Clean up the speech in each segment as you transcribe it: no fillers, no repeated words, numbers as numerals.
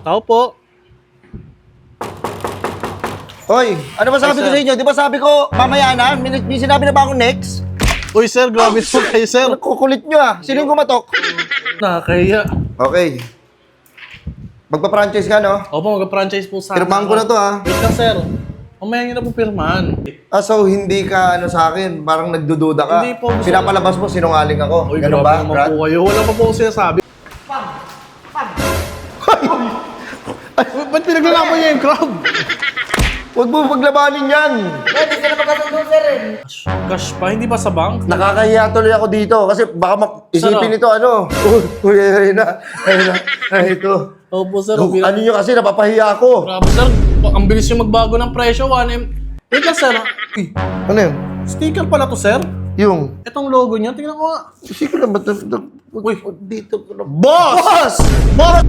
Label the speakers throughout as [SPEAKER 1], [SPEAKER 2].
[SPEAKER 1] Tao po.
[SPEAKER 2] Hoy, ano ba sabi ko sa inyo? Di ba sabi ko, mamaya na, may sinabi na ba akong next?
[SPEAKER 1] Uy, sir, grabe po kayo, sir.
[SPEAKER 2] Kukulit nyo ah. Sino yung kumatok?
[SPEAKER 1] Nakakahiya.
[SPEAKER 2] Okay. Magpa-franchise ka, no?
[SPEAKER 1] Opo, mag-franchise po sana.
[SPEAKER 2] Pirmahan ko na to, ah.
[SPEAKER 1] Wait lang, sir. Mamaya nyo na po pirmahan.
[SPEAKER 2] Ah, so hindi ka sa akin, parang nagdududa ka.
[SPEAKER 1] Hindi po.
[SPEAKER 2] Pinapalabas mo, sinungaling ako.
[SPEAKER 1] Uy,
[SPEAKER 2] Ganun
[SPEAKER 1] grabe
[SPEAKER 2] ba,
[SPEAKER 1] naman
[SPEAKER 2] Brad?
[SPEAKER 1] po kayo. Wala pa po akong sinasabi. Ba't pinaglalaban niya yung crowd?
[SPEAKER 2] Huwag mo paglabanin yan.
[SPEAKER 3] Hindi sila magkasundo, sir eh.
[SPEAKER 1] Cash pa, hindi ba sa bank?
[SPEAKER 2] Nakakahiya tuloy ako dito kasi baka isipin nito Uy, ayun na. Ito.
[SPEAKER 1] Opo, sir.
[SPEAKER 2] Ano nyo kasi, napapahiya ako.
[SPEAKER 1] Grabe, sir. Ang bilis yung magbago ng presyo. 1M. Wait lang, sir. Uy,
[SPEAKER 2] Ano yun?
[SPEAKER 1] sticker pala to, sir.
[SPEAKER 2] Yung,
[SPEAKER 1] Itong logo niya, tingnan ko nga.
[SPEAKER 2] sige na ba ito?
[SPEAKER 1] Uy,
[SPEAKER 2] Dito ko na.
[SPEAKER 1] boss!
[SPEAKER 2] Boss!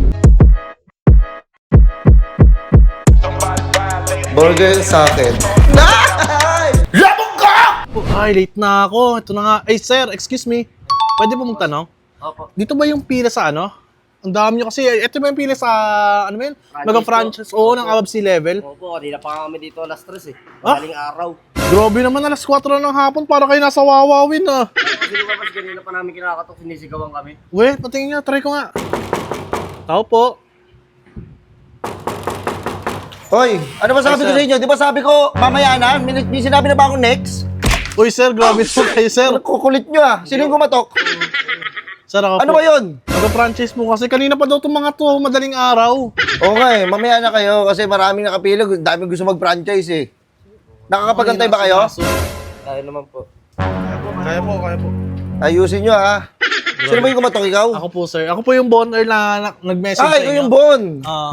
[SPEAKER 2] Burger sa akin. Labog ka!
[SPEAKER 1] Ay, late na ako. Ito na nga. Ay, sir, excuse me. Pwede po magtanong?
[SPEAKER 3] Opo.
[SPEAKER 1] Dito ba yung pila sa ano? Ang dami nyo kasi. Ito ba yung pila sa, ano ba yun?
[SPEAKER 3] Franchise
[SPEAKER 1] Mega-franchise. Oo, ng above sea level.
[SPEAKER 3] Opo, kanina pa kami dito alas 3 eh.
[SPEAKER 1] Ah?
[SPEAKER 3] Maling araw.
[SPEAKER 1] Grabe naman, alas 4 na ng hapon. Para kayo nasa wawawin ah.
[SPEAKER 3] Kasi lumabas kanina pa namin kinakatok, sinisigawan kami.
[SPEAKER 1] We, patingin nga. Try ko nga. Tao po.
[SPEAKER 2] Hoy, ano ba sabi ko
[SPEAKER 1] sir.
[SPEAKER 2] sa inyo? Di ba sabi ko, mamaya na, may sinabi na ba akong next?
[SPEAKER 1] Uy, sir, grabe po kayo, sir.
[SPEAKER 2] Kukulit nyo ah. Sino yung kumatok?
[SPEAKER 1] Sir, ako
[SPEAKER 2] Ano
[SPEAKER 1] po.
[SPEAKER 2] ba yun?
[SPEAKER 1] Mag-franchise mo kasi. Kanina pa daw itong mga to, madaling araw.
[SPEAKER 2] Okay, mamaya na kayo kasi maraming nakapila. Daming gusto mag-franchise eh. Nakakapagantay ba kayo?
[SPEAKER 3] Kaya naman po.
[SPEAKER 1] Kaya po.
[SPEAKER 2] Ayusin nyo ah. Sino ba yung kumatok, ikaw?
[SPEAKER 1] Ako po, sir. Ako po yung bonner na nag-message sa
[SPEAKER 2] Ikaw
[SPEAKER 1] inyo.
[SPEAKER 2] yung Bon.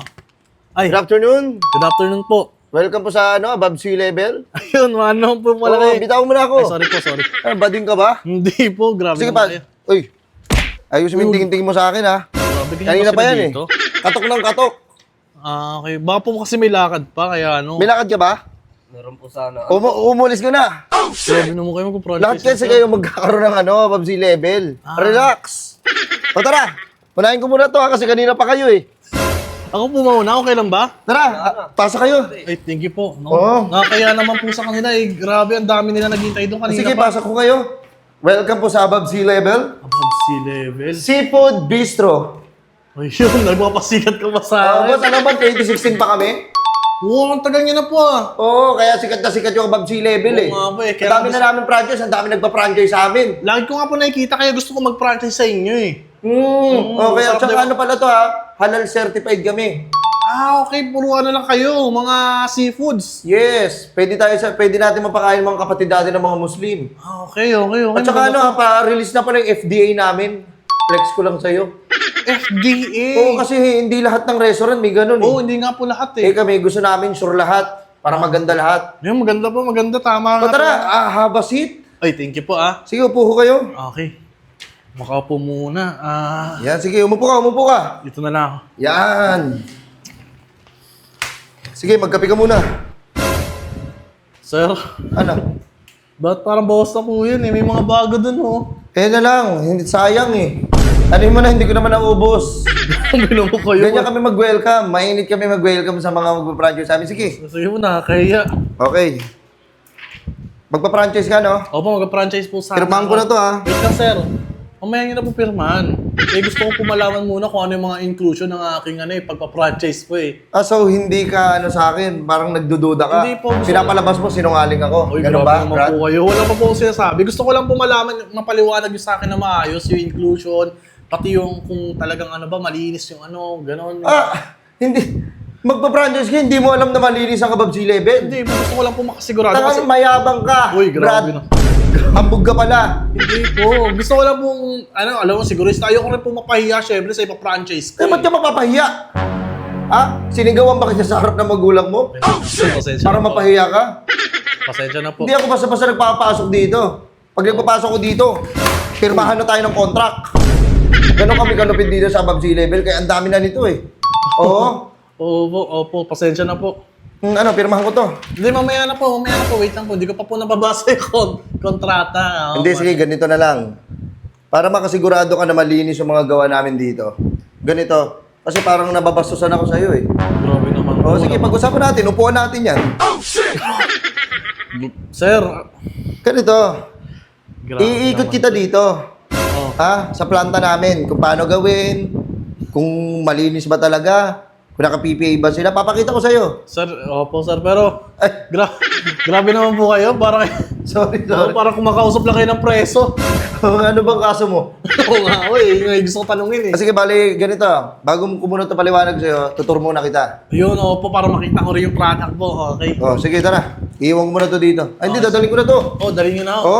[SPEAKER 1] Ay,
[SPEAKER 2] Good afternoon.
[SPEAKER 1] good afternoon po.
[SPEAKER 2] Welcome po sa above sea level.
[SPEAKER 1] Ayun, ano po pala
[SPEAKER 2] Oo,
[SPEAKER 1] kayo.
[SPEAKER 2] bitaw mo na
[SPEAKER 1] Ay,
[SPEAKER 2] ako.
[SPEAKER 1] sorry.
[SPEAKER 2] Ano, bading ka ba?
[SPEAKER 1] Hindi po, grabe
[SPEAKER 2] Sige
[SPEAKER 1] naman
[SPEAKER 2] pa.
[SPEAKER 1] kayo.
[SPEAKER 2] Uy, ayusin mo yung tingin-tingin mo sa akin ha.
[SPEAKER 1] Grabe kayo
[SPEAKER 2] Kanina
[SPEAKER 1] kasi
[SPEAKER 2] pa yan eh.
[SPEAKER 1] dito.
[SPEAKER 2] Katok ng katok.
[SPEAKER 1] Okay. Baka po kasi may lakad pa, kaya ano.
[SPEAKER 2] May lakad ka ba?
[SPEAKER 3] Meron po sana.
[SPEAKER 2] Umulis ka na.
[SPEAKER 1] Grabe naman kayo mag-franchise.
[SPEAKER 2] Lahat kasi kayo magkakaroon ng above sea level. Relax. O tara, unahin ko muna to ha kasi kanina pa kayo eh.
[SPEAKER 1] Ako po mauna, okay lang ba?
[SPEAKER 2] Tara, pasa kayo.
[SPEAKER 1] Ay, thank you po. No?
[SPEAKER 2] Oo.
[SPEAKER 1] Nakakaya naman po sa kanila eh. Grabe, ang dami nila naghintay doon kanina
[SPEAKER 2] Sige,
[SPEAKER 1] pa.
[SPEAKER 2] pasok ko kayo. Welcome po sa above sea level.
[SPEAKER 1] Above sea level.
[SPEAKER 2] Seafood Bistro.
[SPEAKER 1] Ay, yun, nagpapasikat ka ba sa
[SPEAKER 2] Boss,
[SPEAKER 1] akin?
[SPEAKER 2] ano ba? 2016 pa kami?
[SPEAKER 1] Oo, ang tagal niya na po ah.
[SPEAKER 2] Oo, kaya sikat na sikat yung above sea level eh.
[SPEAKER 1] Oo nga po eh,
[SPEAKER 2] Ang
[SPEAKER 1] kaya
[SPEAKER 2] dami na namin franchise, ang dami nagpa-franchise sa amin.
[SPEAKER 1] Lagi ko nga po nakikita kaya gusto ko mag-franchise sa inyo eh.
[SPEAKER 2] Okay, at
[SPEAKER 1] sarap
[SPEAKER 2] saka
[SPEAKER 1] diba?
[SPEAKER 2] ano pala to ha? Halal certified kami.
[SPEAKER 1] Okay, puro ano lang kayo, mga seafoods.
[SPEAKER 2] Yes, pwede natin mapakain mga kapatid natin ng mga Muslim.
[SPEAKER 1] Okay.
[SPEAKER 2] At saka ano ha, pa-release na pala yung FDA namin. Flex ko lang sa'yo.
[SPEAKER 1] FDA.
[SPEAKER 2] Oo, kasi hindi lahat ng restaurant may ganun
[SPEAKER 1] Oo,
[SPEAKER 2] eh.
[SPEAKER 1] hindi nga po lahat
[SPEAKER 2] Eh
[SPEAKER 1] eh.
[SPEAKER 2] kami, gusto namin sure lahat. Para maganda lahat.
[SPEAKER 1] Yung maganda po, maganda, tama
[SPEAKER 2] O
[SPEAKER 1] nga
[SPEAKER 2] tara,
[SPEAKER 1] po.
[SPEAKER 2] have a seat.
[SPEAKER 1] Ay, thank you po ah.
[SPEAKER 2] Sige, upo ko kayo.
[SPEAKER 1] Okay. Makaupo muna.
[SPEAKER 2] Yan, sige, umupo ka.
[SPEAKER 1] Dito na lang ako.
[SPEAKER 2] Yan. Sige, magkape ka muna.
[SPEAKER 1] Sir,
[SPEAKER 2] Ano?
[SPEAKER 1] ba't parang bawas na po yun eh? May mga bago dun oh.
[SPEAKER 2] Eh na lang, hindi sayang eh. Ano mo na, hindi ko naman naubos.
[SPEAKER 1] Bilang mo kayo.
[SPEAKER 2] Ganyan kami mag-welcome. Mainit kami mag-welcome sa mga magpa-franchise sa amin. Sige.
[SPEAKER 1] Sige mo, nakakaya.
[SPEAKER 2] Okay. Magpa-franchise ka, no?
[SPEAKER 1] Opo, mag-franchise po sana.
[SPEAKER 2] Pirmahan ko na to, ha?
[SPEAKER 1] Wait lang, sir. Mamaya nyo na po pirmahan. Eh, gusto ko pumalaman muna kung ano yung mga inclusion ng aking pagpa-franchise po eh.
[SPEAKER 2] Ah, so hindi ka sa akin, parang nagdududa ka.
[SPEAKER 1] Hindi po, gusto
[SPEAKER 2] Pinapalabas mo, sinungaling ako.
[SPEAKER 1] Uy,
[SPEAKER 2] Ganun
[SPEAKER 1] grabe
[SPEAKER 2] ba,
[SPEAKER 1] naman
[SPEAKER 2] Brad?
[SPEAKER 1] po kayo. Wala pa po akong sinasabi. Gusto ko lang pumalaman, mapaliwanag yung sa akin na maayos, yung inclusion, pati yung kung talagang malinis yung gano'n.
[SPEAKER 2] Hindi. Magpa-franchise ka, hindi mo alam na malinis ang above sea level.
[SPEAKER 1] Hindi, gusto ko lang po makasigurado kasi...
[SPEAKER 2] Tangang mayabang ka,
[SPEAKER 1] Uy, grabe
[SPEAKER 2] Brad.
[SPEAKER 1] na.
[SPEAKER 2] Hambog ka pala.
[SPEAKER 1] Hindi po. Gusto ko lang pong, alam mo, sigurista. Ayoko rin po mapahiya, syempre, sa ipa-franchise ko.
[SPEAKER 2] Eh, ba't ka mapapahiya? Ha? Sinigawan ba kita sa harap ng magulang mo?
[SPEAKER 1] Pasensya
[SPEAKER 2] Para
[SPEAKER 1] na po.
[SPEAKER 2] mapahiya ka?
[SPEAKER 1] Pasensya na po.
[SPEAKER 2] Hindi ako basta-basta nagpapasok dito. Pag nagpapasok ko dito, pirmahan na tayo ng contract. Ganon kami kalupit dito sa above sea level, kaya ang dami na nito eh. Oo.
[SPEAKER 1] Opo, pasensya na po.
[SPEAKER 2] Pirmahan ko to.
[SPEAKER 1] Hindi, mamaya na po, wait lang po. Hindi ko pa po nababasa yung kontrata.
[SPEAKER 2] Hindi, sige, ganito na lang. Para makasigurado ka na malinis yung mga gawa namin dito. Ganito, Kasi parang nababastusan ako sa'yo eh.
[SPEAKER 1] Grabe naman.
[SPEAKER 2] O sige, pag-usapan natin, upuan natin yan.
[SPEAKER 1] Sir.
[SPEAKER 2] Ganito,
[SPEAKER 1] Grabe
[SPEAKER 2] iikot
[SPEAKER 1] naman.
[SPEAKER 2] kita dito.
[SPEAKER 1] Oh.
[SPEAKER 2] Ha? Sa planta namin, kung paano gawin, kung malinis ba talaga, kung naka-PPA ba sila, papakita ko sa'yo.
[SPEAKER 1] Sir, opo sir, pero
[SPEAKER 2] Ay,
[SPEAKER 1] grabe naman po kayo. Parang,
[SPEAKER 2] sorry.
[SPEAKER 1] parang kumakausap lang kayo ng preso.
[SPEAKER 2] Ano bang kaso mo?
[SPEAKER 1] Oo nga, may gusto ko tanungin eh.
[SPEAKER 2] Sige, bali, ganito. Bago ko muna ito paliwanag sa'yo, tutur muna kita.
[SPEAKER 1] Yun, opo, para makita ko rin yung product po. Okay.
[SPEAKER 2] O, sige, tara. Iiwan ko muna to dito. Ay, hindi, dadaling ko na to.
[SPEAKER 1] Oh, dali nyo na ako.
[SPEAKER 2] Oo.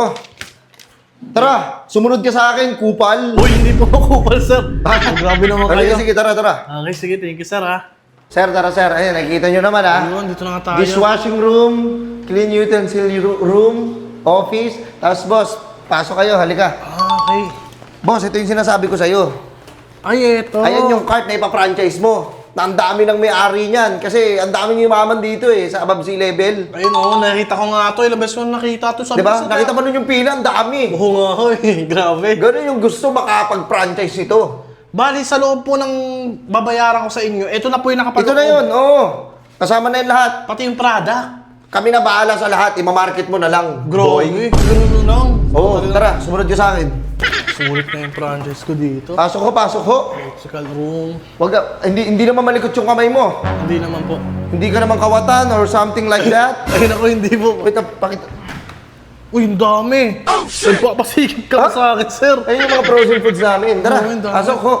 [SPEAKER 2] Tara, sumunod ka sa akin, kupal.
[SPEAKER 1] Uy, hindi po ako kupal, sir. Grabe naman kayo.
[SPEAKER 2] Sige, tara, tara.
[SPEAKER 1] Okay, sige, thank you, sir, ha.
[SPEAKER 2] Sir, tara, sir. Ayun, nakikita nyo naman, ha?
[SPEAKER 1] Ayun, dito na nga tayo.
[SPEAKER 2] Dishwashing room, clean utensil room, office. Tapos, boss, pasok kayo, halika.
[SPEAKER 1] Ah, okay.
[SPEAKER 2] Boss, ito yung sinasabi ko sa'yo.
[SPEAKER 1] Ay, eto.
[SPEAKER 2] Ayan yung cart na ipa-franchise mo. Na ang dami ng may-ari niyan. Kasi ang dami yumaman dito eh, sa above sea level.
[SPEAKER 1] Ayun, oo, nakita ko nga to. Ilang beses ko na nakita to. Sabi
[SPEAKER 2] Diba?
[SPEAKER 1] ko sa-
[SPEAKER 2] Nakita mo nun yung pila, ang dami.
[SPEAKER 1] Oo nga, hoy. Grabe.
[SPEAKER 2] Ganun yung gusto makapag-franchise nito.
[SPEAKER 1] Bali, sa loob po ng babayaran ko sa inyo, ito na po yung nakapaloob.
[SPEAKER 2] Ito na yun, oo. Kasama na yung lahat.
[SPEAKER 1] Pati yung product.
[SPEAKER 2] Kami na bahala sa lahat, imamarket mo na lang.
[SPEAKER 1] Grabe. Ganun lang.
[SPEAKER 2] Oo, tara, sumunod ka sa akin.
[SPEAKER 1] Sulit na yung franchise ko dito.
[SPEAKER 2] Pasok ho, pasok ho.
[SPEAKER 1] Electrical room.
[SPEAKER 2] Wag ka, hindi naman malikot yung kamay mo.
[SPEAKER 1] Hindi naman po.
[SPEAKER 2] Hindi ka naman kawatan or something like that.
[SPEAKER 1] Ayun ako, hindi po.
[SPEAKER 2] Wait, pakita.
[SPEAKER 1] Uy, ang dami. Nagpapasikip ka
[SPEAKER 2] Ha?
[SPEAKER 1] sa akin, sir.
[SPEAKER 2] Ayun yung mga frozen foods namin. Tara,
[SPEAKER 1] Oo, ang dami.
[SPEAKER 2] pasok ho.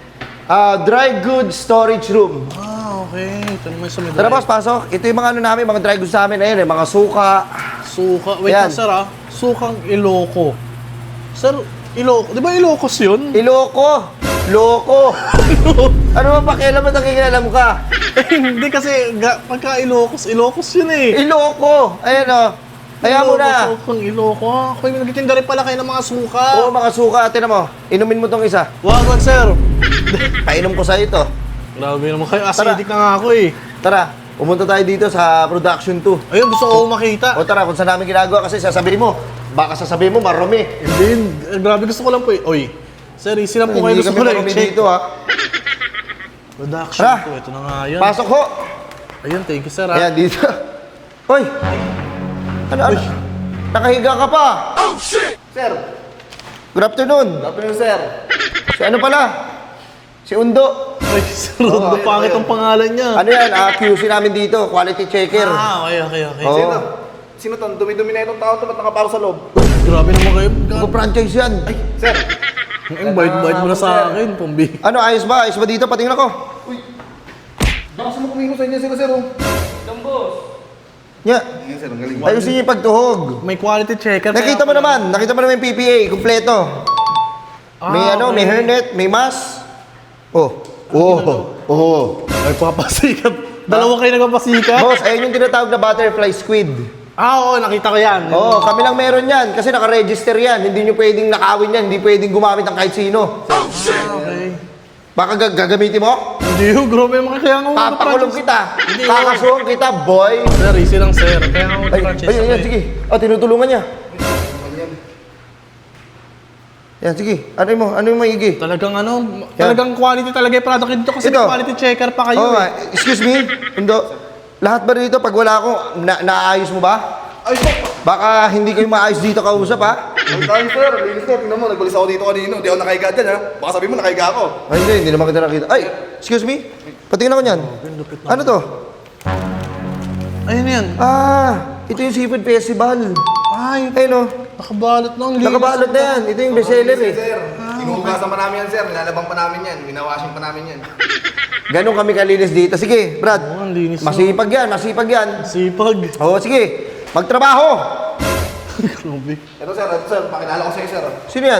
[SPEAKER 2] Dry goods storage room.
[SPEAKER 1] Ah, okay. Ito naman sa medalya.
[SPEAKER 2] Tara boss, pasok. Ito yung mga ano namin, mga dry goods namin. Ayun, mga suka.
[SPEAKER 1] Suka. Wait
[SPEAKER 2] Yan.
[SPEAKER 1] lang, sir, ah. Sukang Iloco. Sir, Iloco. Di ba Ilocos yun?
[SPEAKER 2] Iloko. Loko. Ano ba pakialam mo nakikialam ka?
[SPEAKER 1] Hindi kasi, pagka Ilocos, Ilocos yun eh.
[SPEAKER 2] Iloko. Ayan o. Kaya mo na.
[SPEAKER 1] Sukang Iloco. Ako yung nagtitinda rin pala kayo ng mga suka.
[SPEAKER 2] Oo, mga suka. Tinan mo. Inumin mo tong isa.
[SPEAKER 1] Wag, sir.
[SPEAKER 2] Painom ko sa ito.
[SPEAKER 1] Grabe naman kayo. Acidic na nga ako eh.
[SPEAKER 2] Tara, pumunta tayo dito sa production 2.
[SPEAKER 1] Ayun, gusto ko makita.
[SPEAKER 2] O tara, kung saan namin ginagawa kasi sasabihin mo, baka sasabihin mo marumi.
[SPEAKER 1] Hindi, grabe gusto ko lang po eh. Oy, sir, easy lang po kayo.
[SPEAKER 2] Hindi
[SPEAKER 1] Gusto
[SPEAKER 2] kami
[SPEAKER 1] ko lang
[SPEAKER 2] marumi
[SPEAKER 1] i-check.
[SPEAKER 2] dito ha.
[SPEAKER 1] Production
[SPEAKER 2] Tara.
[SPEAKER 1] po. Ito na nga yan.
[SPEAKER 2] Pasok ho.
[SPEAKER 1] Ayun, thank you, sir. Ha?
[SPEAKER 2] Ayan, dito. Hoy! Ano? Nakahiga ka pa.
[SPEAKER 3] Oh, shit! Sir!
[SPEAKER 2] Good afternoon.
[SPEAKER 3] Afternoon, sir.
[SPEAKER 2] Si ano pala? Si Undo.
[SPEAKER 1] Ay, sir, Rondo, pangit ang pangalan niya.
[SPEAKER 2] Ano yan? QC namin dito. Quality checker.
[SPEAKER 1] Ah, okay.
[SPEAKER 2] Oo.
[SPEAKER 3] Sino to? Dumi-dumi na itong tao to. Ba't nakaparo sa loob?
[SPEAKER 1] Grabe naman kayo.
[SPEAKER 2] Mag-franchise yan.
[SPEAKER 3] Sir!
[SPEAKER 1] Invite mo na sa akin, pambi.
[SPEAKER 2] Ano, ayos ba? Ayos ba dito? Patingin ako.
[SPEAKER 3] Baka sumukumino sa inyo sila, sir.
[SPEAKER 2] Nya.
[SPEAKER 3] Yan, sir. Ang galing.
[SPEAKER 2] Ayusin niyo yung pagtuhog.
[SPEAKER 1] May quality checker.
[SPEAKER 2] Nakita mo naman yung PPA, kumpleto. May may hairnet, may mask.
[SPEAKER 1] Ay, papasikat. Dalawa kayo nagpapasikat?
[SPEAKER 2] Boss, ayun yung tinatawag na butterfly squid.
[SPEAKER 1] Ah, oo, nakita ko yan.
[SPEAKER 2] Oo, kami lang meron yan kasi naka-register yan. Hindi nyo pwedeng nakawin yan, hindi pwedeng gumamit ng kahit sino.
[SPEAKER 1] Ah, okay.
[SPEAKER 2] Baka gagamitin mo?
[SPEAKER 1] Hindi yung grabe naman kaya nga
[SPEAKER 2] Papakulong kita.
[SPEAKER 1] Hindi,
[SPEAKER 2] Kakasuhan kita, boy.
[SPEAKER 1] Sir, easy lang, sir. Kaya nga mag-franchise ako eh.
[SPEAKER 2] Sige. Tinutulungan niya. Yan, sige. Ano yung maigi?
[SPEAKER 1] Talagang talagang quality talaga yung product dito kasi
[SPEAKER 2] Ito.
[SPEAKER 1] may quality checker pa kayo
[SPEAKER 2] Oo,
[SPEAKER 1] eh.
[SPEAKER 2] excuse me, Undo. Lahat ba dito, pag wala ako, naayos mo ba?
[SPEAKER 3] Ay, sir!
[SPEAKER 2] Baka hindi kayo maayos dito kausap, ha?
[SPEAKER 3] Ang tayo, sir. Linis na. Tingnan mo, nagbalis ako dito kanino. Hindi ako nakahiga dyan, ha? Baka sabihin mo, nakahiga ako.
[SPEAKER 2] Ay, hindi naman kita nakita. Ay, excuse me? Patingin ako niyan. Ano to?
[SPEAKER 1] Ayun yan.
[SPEAKER 2] Ito yung Seafood Festival.
[SPEAKER 1] Ay,
[SPEAKER 2] Ayun, oh.
[SPEAKER 1] nakabalot na. Ang linis.
[SPEAKER 2] Nakabalot na yan. Ito yung bestseller, eh.
[SPEAKER 3] Sir, inuugasan pa namin yan, sir. Nilalabang pa namin yan. Winawashing pa namin yan.
[SPEAKER 2] Ganon kami kalinis dito. Sige, Brad.
[SPEAKER 1] Oo, ang linis.
[SPEAKER 2] Masipag yan, masipag yan.
[SPEAKER 1] Sipag.
[SPEAKER 2] Oo, sige. Magtrabaho.
[SPEAKER 1] Grabe.
[SPEAKER 3] Ito, sir. Pakilala ko sa'yo, sir.
[SPEAKER 2] Sino yan?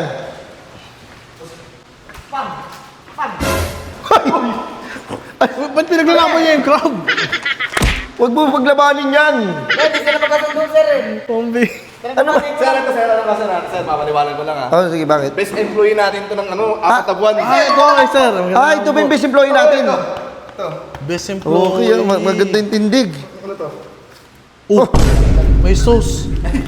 [SPEAKER 1] Ay, ba't pinaglalaban niya yung crab?
[SPEAKER 2] Huwag mo paglabanin yan.
[SPEAKER 3] Hindi sila magkasundo, sir.
[SPEAKER 1] Pambi.
[SPEAKER 2] Ano ba?
[SPEAKER 3] Sir, mapaniwalan ko lang, ha?
[SPEAKER 2] Oh, sige, bakit?
[SPEAKER 3] Best employee natin to ng 4 na buwan.
[SPEAKER 1] Ay, ito okay, sir.
[SPEAKER 2] Ito ba yung best employee natin?
[SPEAKER 1] Best employee.
[SPEAKER 2] Okay, maganda yung tindig.
[SPEAKER 3] Ano to?
[SPEAKER 1] May sauce.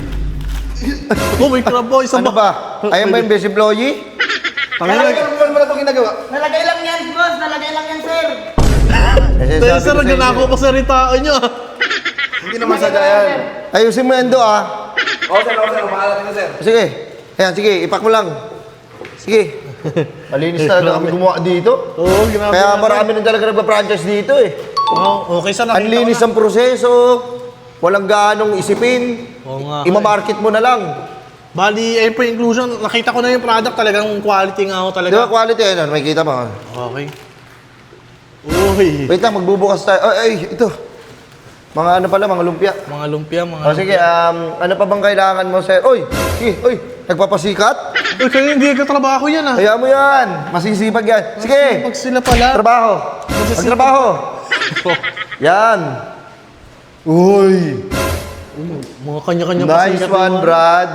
[SPEAKER 1] May crab po. Isa
[SPEAKER 2] Ano ba? Ayan ba yung best employee?
[SPEAKER 1] Tangina.
[SPEAKER 3] Ano mo na itong ginagawa?
[SPEAKER 4] Nalagay lang yan yan, boss. Nalagay lang yan, sir.
[SPEAKER 1] Dahil sir, nagnanako pa sa ritao nyo.
[SPEAKER 3] Hindi naman sadya yan.
[SPEAKER 2] Ayusin mo yan do, ah.
[SPEAKER 3] Oo, sir. Bahala na, sir.
[SPEAKER 2] Sige. Ayan, sige. Ipak mo lang. Sige. Malinis talaga kami gumawa dito.
[SPEAKER 1] Oo, grabe.
[SPEAKER 2] Kaya marami na talaga nagpa-franchise dito eh.
[SPEAKER 1] Oh, okay, sir.
[SPEAKER 2] Ang linis ng proseso. Walang gaanong isipin.
[SPEAKER 1] Oo nga.
[SPEAKER 2] Ima-market mo na lang.
[SPEAKER 1] Bali, ayun po yung inclusion. Nakita ko na yung product. Talagang quality nga ako talaga.
[SPEAKER 2] Di ba quality yan? May kita mo.
[SPEAKER 1] Okay. Uy.
[SPEAKER 2] Wait lang, magbubukas tayo. Ay, ito. Mga ano pala, mga lumpia.
[SPEAKER 1] Mga lumpia, mga
[SPEAKER 2] O sige, ano pa bang kailangan mo, sir? Uy, sige, uy, nagpapasikat?
[SPEAKER 1] Uy, kaya hindi katrabaho yan ah.
[SPEAKER 2] Kaya mo yan. Masisipag yan. Sige,
[SPEAKER 1] Pag sila pala.
[SPEAKER 2] trabaho. Magtrabaho. Yan. Uy,
[SPEAKER 1] Mga kanya-kanya
[SPEAKER 2] nice
[SPEAKER 1] pasikat
[SPEAKER 2] one,
[SPEAKER 1] naman.
[SPEAKER 2] Brad.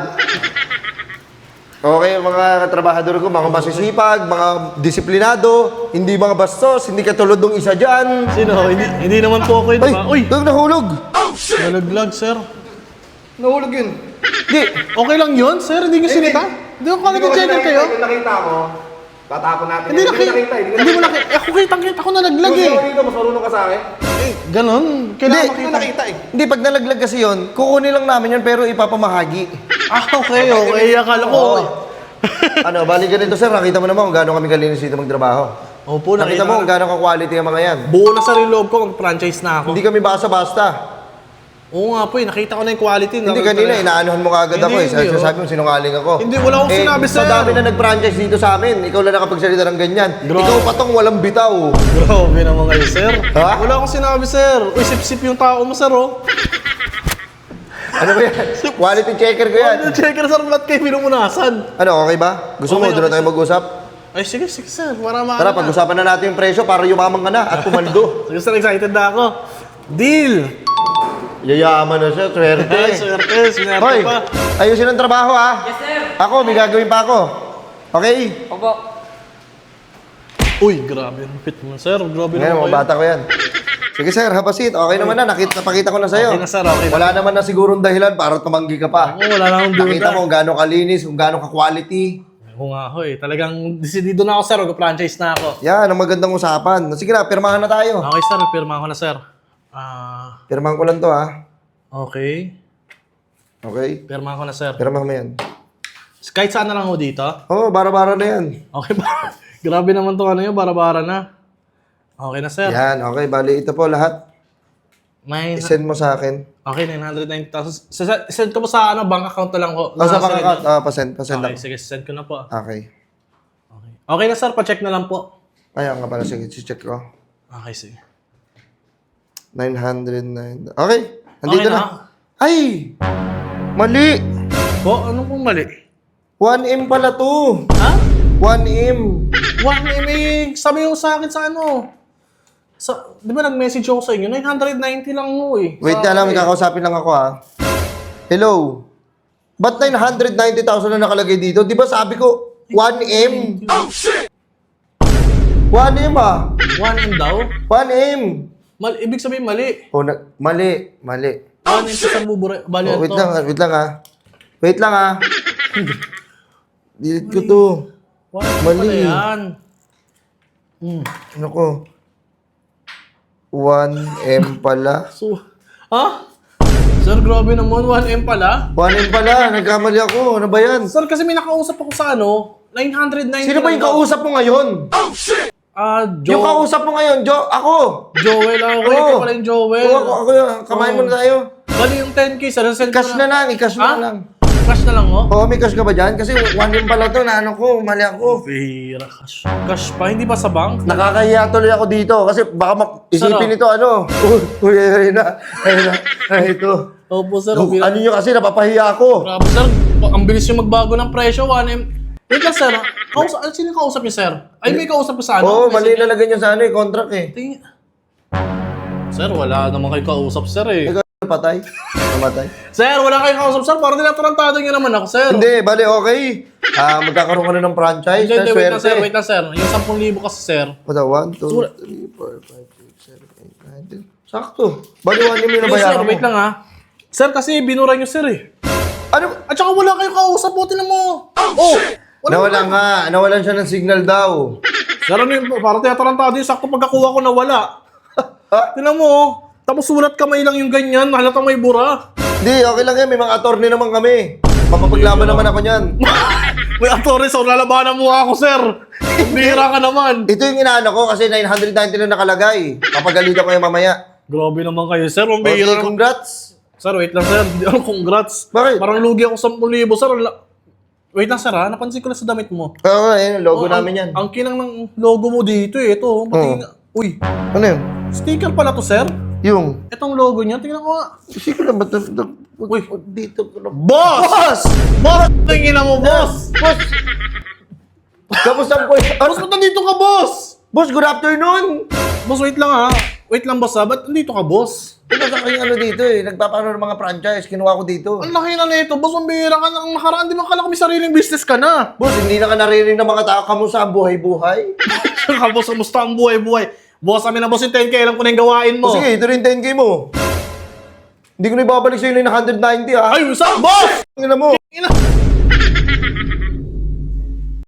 [SPEAKER 2] Okay, mga katrabahador ko, mga masisipag, mga disiplinado, hindi mga bastos, hindi katulad ng isa dyan.
[SPEAKER 1] Sino? Hindi naman po ako yun,
[SPEAKER 2] Ay,
[SPEAKER 1] diba? Uy!
[SPEAKER 2] huwag nahulog.
[SPEAKER 1] Nalaglag, sir.
[SPEAKER 3] Nahulog yun.
[SPEAKER 2] Hindi,
[SPEAKER 1] Okay lang yun, sir? Hindi nyo sinita? Hindi ko kala checker kayo?
[SPEAKER 3] Kung nakita mo, tatapon natin.
[SPEAKER 1] Hindi nakita. Hindi mo nakita. Ako kitang-kita ko nalaglag
[SPEAKER 3] Kung
[SPEAKER 1] eh.
[SPEAKER 3] sino dito, mas marunong ka sa akin.
[SPEAKER 1] Ganon. Kailangan
[SPEAKER 2] Hindi.
[SPEAKER 1] makita.
[SPEAKER 3] Nakita eh.
[SPEAKER 2] hindi, pag nalaglag kasi yun, kukunin lang namin yun pero ipapamahagi.
[SPEAKER 1] Ah, okay. Akala ko.
[SPEAKER 2] Ano, bali ganito sir, nakita mo naman kung gaano kami kalinis dito magtrabaho.
[SPEAKER 1] Opo,
[SPEAKER 2] Nakita mo kung gaano ka-quality ang mga yan.
[SPEAKER 1] Buo na sa loob ko, mag-franchise na ako.
[SPEAKER 2] Hindi kami basta-basta.
[SPEAKER 1] Oo nga po, nakita ko na yung quality.
[SPEAKER 2] Hindi kanina, inaanuhan mo kagad ako eh.
[SPEAKER 1] Hindi,
[SPEAKER 2] Sabi mo, sinungaling ako.
[SPEAKER 1] Hindi, wala akong sinabi, sir.
[SPEAKER 2] Madami na nag-franchise dito sa amin. Ikaw lang nakapagsalita ng ganyan.
[SPEAKER 1] Grabe.
[SPEAKER 2] Ikaw patong walang bitaw.
[SPEAKER 1] Grabe naman kayo, sir.
[SPEAKER 2] Ha?
[SPEAKER 1] Wala akong sinabi, sir. Uy, sip-sip yung tao mo, sir, oh.
[SPEAKER 2] Ano ba yan? Quality checker ko yan.
[SPEAKER 1] Ano, checker, sir, ba't kayo pinumunasan?
[SPEAKER 2] Ano, okay ba? Gusto mo,
[SPEAKER 1] Okay,
[SPEAKER 2] doon na
[SPEAKER 1] okay,
[SPEAKER 2] tayo mag-usap?
[SPEAKER 1] Ay, sige, sir. Para maano
[SPEAKER 2] Tara,
[SPEAKER 1] na.
[SPEAKER 2] pag-usapan na natin yung presyo para yumaman ka na at pumaldo.
[SPEAKER 1] Sige, sir, excited na ako. Deal!
[SPEAKER 2] Yayaman na siya, swerte.
[SPEAKER 1] Ay, swerte, swerte
[SPEAKER 2] Hoy,
[SPEAKER 1] pa.
[SPEAKER 2] ayusin ang trabaho ah.
[SPEAKER 4] Yes, sir.
[SPEAKER 2] Ako, may gagawin pa ako. Okay?
[SPEAKER 4] Opo.
[SPEAKER 1] Uy, grabe ang fit mo, sir. Grabe
[SPEAKER 2] Ngayon,
[SPEAKER 1] naman
[SPEAKER 2] mga bata ko yan. Sige sir, habasit. Okay naman na. Napakita ko na sa'yo.
[SPEAKER 1] Okay na, sir. Okay na.
[SPEAKER 2] Wala naman na sigurong dahilan para tumanggi ka pa.
[SPEAKER 1] Oo, wala na akong duda.
[SPEAKER 2] Nakita mo kung gaano kalinis, kung gaano ka-quality.
[SPEAKER 1] Oo nga ho eh. Talagang decidido na ako, sir. Mag-franchise na ako.
[SPEAKER 2] Yan, ang magandang usapan. Sige na, pirmahan na tayo.
[SPEAKER 1] Okay, sir. Pirma ko na, sir.
[SPEAKER 2] Pirmahan ko lang to ha.
[SPEAKER 1] Okay.
[SPEAKER 2] Okay?
[SPEAKER 1] Pirma ko na, sir.
[SPEAKER 2] Pirmahan mo yan.
[SPEAKER 1] Kahit saan na lang ho dito.
[SPEAKER 2] Oo, bara-bara na yan.
[SPEAKER 1] Okay ba? Grabe naman to ano yun. Bara-bara na. Okay na, sir.
[SPEAKER 2] Yan, okay. Bali, ito po lahat.
[SPEAKER 1] May...
[SPEAKER 2] I-send mo sa akin.
[SPEAKER 1] Okay, 990,000. Send ko po sa ano, bank account na lang ko.
[SPEAKER 2] O sa
[SPEAKER 1] Nasa-
[SPEAKER 2] bank account. Pasend
[SPEAKER 1] Okay,
[SPEAKER 2] lang.
[SPEAKER 1] sige. Send ko na po.
[SPEAKER 2] Okay.
[SPEAKER 1] Okay na, sir. Pa-check na lang po.
[SPEAKER 2] Ayan nga pala, sige. Check ko.
[SPEAKER 1] Okay, sige.
[SPEAKER 2] 909. Okay. Nandito
[SPEAKER 1] Okay na.
[SPEAKER 2] na. Ay! Mali!
[SPEAKER 1] Po, ano pong mali?
[SPEAKER 2] 1M pala to.
[SPEAKER 1] Ha?
[SPEAKER 2] 1M.
[SPEAKER 1] Wah, may sabi mo sa akin sa ano. Sa, di ba nag-message ako sa inyo? 990 lang mo eh.
[SPEAKER 2] Wait na lang, may kakausapin lang ako ha. Hello? Ba't 990,000 na nakalagay dito? Di ba sabi ko, 1M? 1M ah.
[SPEAKER 1] 1M daw?
[SPEAKER 2] 1M.
[SPEAKER 1] Ibig sabihin mali.
[SPEAKER 2] Oh, mali.
[SPEAKER 1] 1M sa bubura. Bali
[SPEAKER 2] Oh,
[SPEAKER 1] to.
[SPEAKER 2] wait lang ah. Wait lang ah. Delete ko to.
[SPEAKER 1] 1M
[SPEAKER 2] Mali.
[SPEAKER 1] pala yan.
[SPEAKER 2] Ano ko? 1M pala.
[SPEAKER 1] So, ha? Sir, grabe naman. 1M pala.
[SPEAKER 2] 1M pala. Nagkamali ako. Ano ba yan?
[SPEAKER 1] Sir, kasi may nakausap ako sa ano. 990
[SPEAKER 2] Sino ba yung
[SPEAKER 1] lang daw.
[SPEAKER 2] kausap mo ngayon? Yung kausap mo ngayon, ako.
[SPEAKER 1] Joel ako.
[SPEAKER 2] Oo.
[SPEAKER 1] Ikaw pala yung Joel.
[SPEAKER 2] Oo, ako yun. Kamain mo na tayo.
[SPEAKER 1] Bali yung 10K, sir. Send ko
[SPEAKER 2] I-cash na lang, i-cash mo
[SPEAKER 1] Ha?
[SPEAKER 2] na lang.
[SPEAKER 1] Cash na lang, oh.
[SPEAKER 2] Oo, may cash ka ba dyan? Kasi 1M pala to, na ano ko, mali ako.
[SPEAKER 1] Pira, cash. Cash pa, hindi ba sa bank?
[SPEAKER 2] Nakakahiya tuloy ako dito kasi baka isipin
[SPEAKER 1] Sarap.
[SPEAKER 2] nito ano. Uy, ayun na. Ay, ito.
[SPEAKER 1] Opo, sir.
[SPEAKER 2] Ano nyo kasi, napapahiya ako.
[SPEAKER 1] Grabe, sir. Ang bilis yung magbago ng presyo. 1M. Wait lang, sir. Sino yung kausap niyo, sir? Ay, may kausap niyo sa ano?
[SPEAKER 2] Oo, mali nalagay niya sa ano, contract eh.
[SPEAKER 1] Tingin. Sir, wala naman kayo kausap, sir eh.
[SPEAKER 2] Ikaw, patay? Namatay?
[SPEAKER 1] Sir, wala kayong kausap, sir. Parang tinatarantado niyo naman ako, sir.
[SPEAKER 2] Hindi, bali, okay. Magkakaroon ka na ng franchise,
[SPEAKER 1] Hindi,
[SPEAKER 2] na
[SPEAKER 1] wait lang, sir.
[SPEAKER 2] swerte.
[SPEAKER 1] Wait lang, sir. Yung 10,000 kasi, sir.
[SPEAKER 2] Wala, 1, 2, 3, 4, 5, 6, 7, 8, 9, 10. Sakto. Bali, 1M yung
[SPEAKER 1] Yes, sir.
[SPEAKER 2] nabayaran mo.
[SPEAKER 1] Wait lang, ha. Sir, kasi binura niyo, sir eh.
[SPEAKER 2] Ano?
[SPEAKER 1] At saka wala kayong kausap. Buti na mo. Oh!
[SPEAKER 2] Nawalan siya ng signal daw.
[SPEAKER 1] Sir, ano yun? Parang tinatarantado yung sakto pagkakuha ko nawala. Tingnan mo, oh. Tapos sulat kamay lang yung ganyan, halatang may bura.
[SPEAKER 2] Hindi, okay lang yan. May mga attorney naman kami. Mapapaglaban naman ako niyan.
[SPEAKER 1] May attorney, so lalabanan mo ako, sir. Bihira ka naman.
[SPEAKER 2] Ito yung inaano ko kasi 990 lang nakalagay. Papagalitan ko yung mamaya.
[SPEAKER 1] Grabe naman kayo, sir. Ang
[SPEAKER 2] Okay,
[SPEAKER 1] bihira naman.
[SPEAKER 2] congrats.
[SPEAKER 1] Sir, wait lang, sir. Congrats.
[SPEAKER 2] Bakit?
[SPEAKER 1] Parang lugi ako 10,000, sir. Wait lang, sir, ha? Napansin ko lang sa damit mo.
[SPEAKER 2] Oo, ayun, logo namin yan.
[SPEAKER 1] Ang kinang ng logo mo dito, eh. Ito, pati... Uy,
[SPEAKER 2] Ano yun?
[SPEAKER 1] sticker pala to, sir.
[SPEAKER 2] Yung...
[SPEAKER 1] Itong logo niya, tingnan ko nga.
[SPEAKER 2] Sige lang, ba't
[SPEAKER 1] Uy.
[SPEAKER 2] dito ko lang.
[SPEAKER 1] Boss! Boss! Tingin mo, boss!
[SPEAKER 2] Boss! Kamusta po?
[SPEAKER 1] Boss, ba't nandito ka, boss?
[SPEAKER 2] Boss, good afternoon!
[SPEAKER 1] Boss, wait lang, ha? Wait lang, boss, ha? Ba't nandito ka, boss?
[SPEAKER 2] Ito sa kanyang ano dito eh. Nagpapaano ng mga franchise. Kinuha ko dito.
[SPEAKER 1] Ang laki na nito, boss. Ang bihira ka na. Ang nakaraan, di ba kala ko may sariling business ka na?
[SPEAKER 2] Boss, hindi na ka naririnig ng mga tao. Kamusta ang buhay-buhay?
[SPEAKER 1] Boss, kamusta ang buhay-buhay? Boss, amin na boss yung 10K. Alam ko na yung gawain mo.
[SPEAKER 2] O sige, ito rin 10K mo. Hindi ko na ibabalik sa'yo na yung 190 ha.
[SPEAKER 1] Ay, saan, boss?
[SPEAKER 2] Tingnan mo.